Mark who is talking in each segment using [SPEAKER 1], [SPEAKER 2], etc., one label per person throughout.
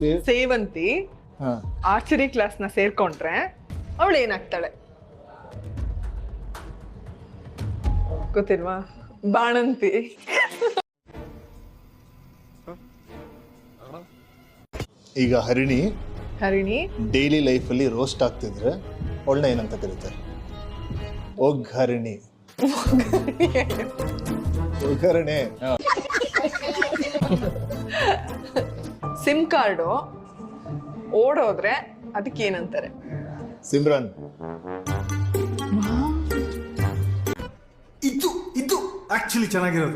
[SPEAKER 1] ಸೇವಂತಿ archery class ನ ಸೇರ್ಕೊಂಡ್ರೆ ಅವಳು ಏನಾಗ್ತಾಳೆ ಗೊತ್ತಿಲ್ವಾ? ಬಾಣಂತಿ.
[SPEAKER 2] ಈಗ ಹರಿಣಿ ಡೈಲಿ ಲೈಫ್ ಅಲ್ಲಿ ರೋಸ್ಟ್ ಆಗ್ತಿದ್ರೆ ಅವಳನ್ನ ಏನಂತ ಕರೀತಾರೆ? ಒಗ್ಗರಣೆ. ಒಗ್ಗರಣೆ.
[SPEAKER 1] ಸಿಮ್ ಕಾರ್ಡು ಓಡೋದ್ರೆ ಅದಕ್ಕೆ ಏನಂತಾರೆ?
[SPEAKER 2] ಸಿಮ್ರನ್.
[SPEAKER 3] ಇದು ಆಕ್ಚುಲಿ ಚೆನ್ನಾಗಿರೋದು.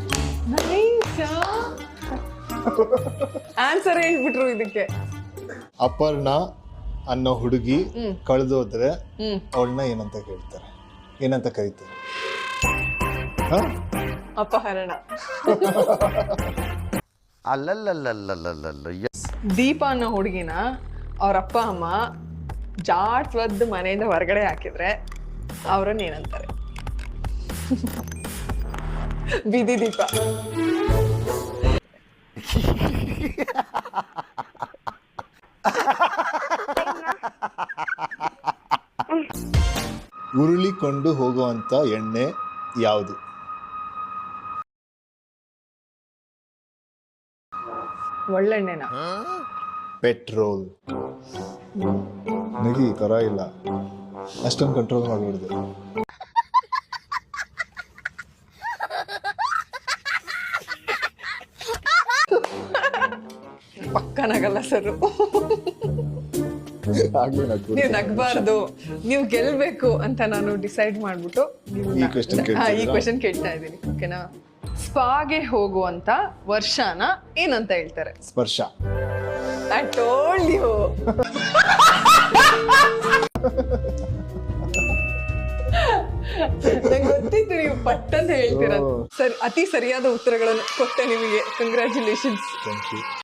[SPEAKER 1] ಆನ್ಸರ್ ಹೇಳ್ಬಿಟ್ರು ಇದಕ್ಕೆ.
[SPEAKER 2] ಅಪರ್ಣ ಅನ್ನೋ ಹುಡುಗಿ ಕಳೆದೋದ್ರೆ ಅವಳನ್ನ ಏನಂತ ಕೇಳ್ತಾರೆ? ಏನಂತ ಕರೀತಾರೆ?
[SPEAKER 1] ಅಪಹರಣ.
[SPEAKER 4] ಅಲ್ಲಲ್ಲಲ್ಲಲ್ಲಲ್ಲಲ್ಲ.
[SPEAKER 1] ದೀಪ ಅನ್ನೋ ಹುಡುಗಿನ ಅವ್ರ ಅಪ್ಪ ಅಮ್ಮ ಜಾಡ್ಸ್ವದ್ದು ಮನೆಯಿಂದ ಹೊರಗಡೆ ಹಾಕಿದ್ರೆ ಅವ್ರನ್ನ ಏನಂತಾರೆ? ಬೀದಿ ದೀಪ.
[SPEAKER 2] ಉರುಳಿಕೊಂಡು ಹೋಗುವಂತ ಎಣ್ಣೆ ಯಾವುದು?
[SPEAKER 1] ಒಳ್ಳೆಣ್ಣೆನ?
[SPEAKER 2] ಪೆಟ್ರೋಲ್. ನಗಿ ತರ ಇಲ್ಲ, ಅಷ್ಟೊಂದು ಕಂಟ್ರೋಲ್ ಮಾಡ್ಬಿಡ್ದು.
[SPEAKER 1] ಪಕ್ಕ ನಗಲ್ಲ ಸರ್. ನೀವು ನಗಬಾರ್ದು, ನೀವು ಗೆಲ್ಬೇಕು ಅಂತ ನಾನು ಡಿಸೈಡ್ ಮಾಡ್ಬಿಟ್ಟು ಈ ಕ್ವೆಶನ್ ಕೇಳ್ತಾ ಇದ್ದೀನಿ. ಓಕೆನಾ? ಸ್ಪಾಗೆ ಹೋಗುವಂತ ವರ್ಷನ ಏನಂತ ಹೇಳ್ತಾರೆ?
[SPEAKER 2] ಸ್ಪರ್ಶ.
[SPEAKER 1] I told you. ನಂಗೆ ಗೊತ್ತಿತ್ತು ನೀವು ಪಟ್ಟಂತ ಹೇಳ್ತೀರ. ಸರಿ, ಅತಿ ಸರಿಯಾದ ಉತ್ತರಗಳನ್ನು ಕೊಟ್ಟೆ ನಿಮಗೆ. ಕಂಗ್ರ್ಯಾಚುಲೇಷನ್ಸ್.
[SPEAKER 2] Thank you.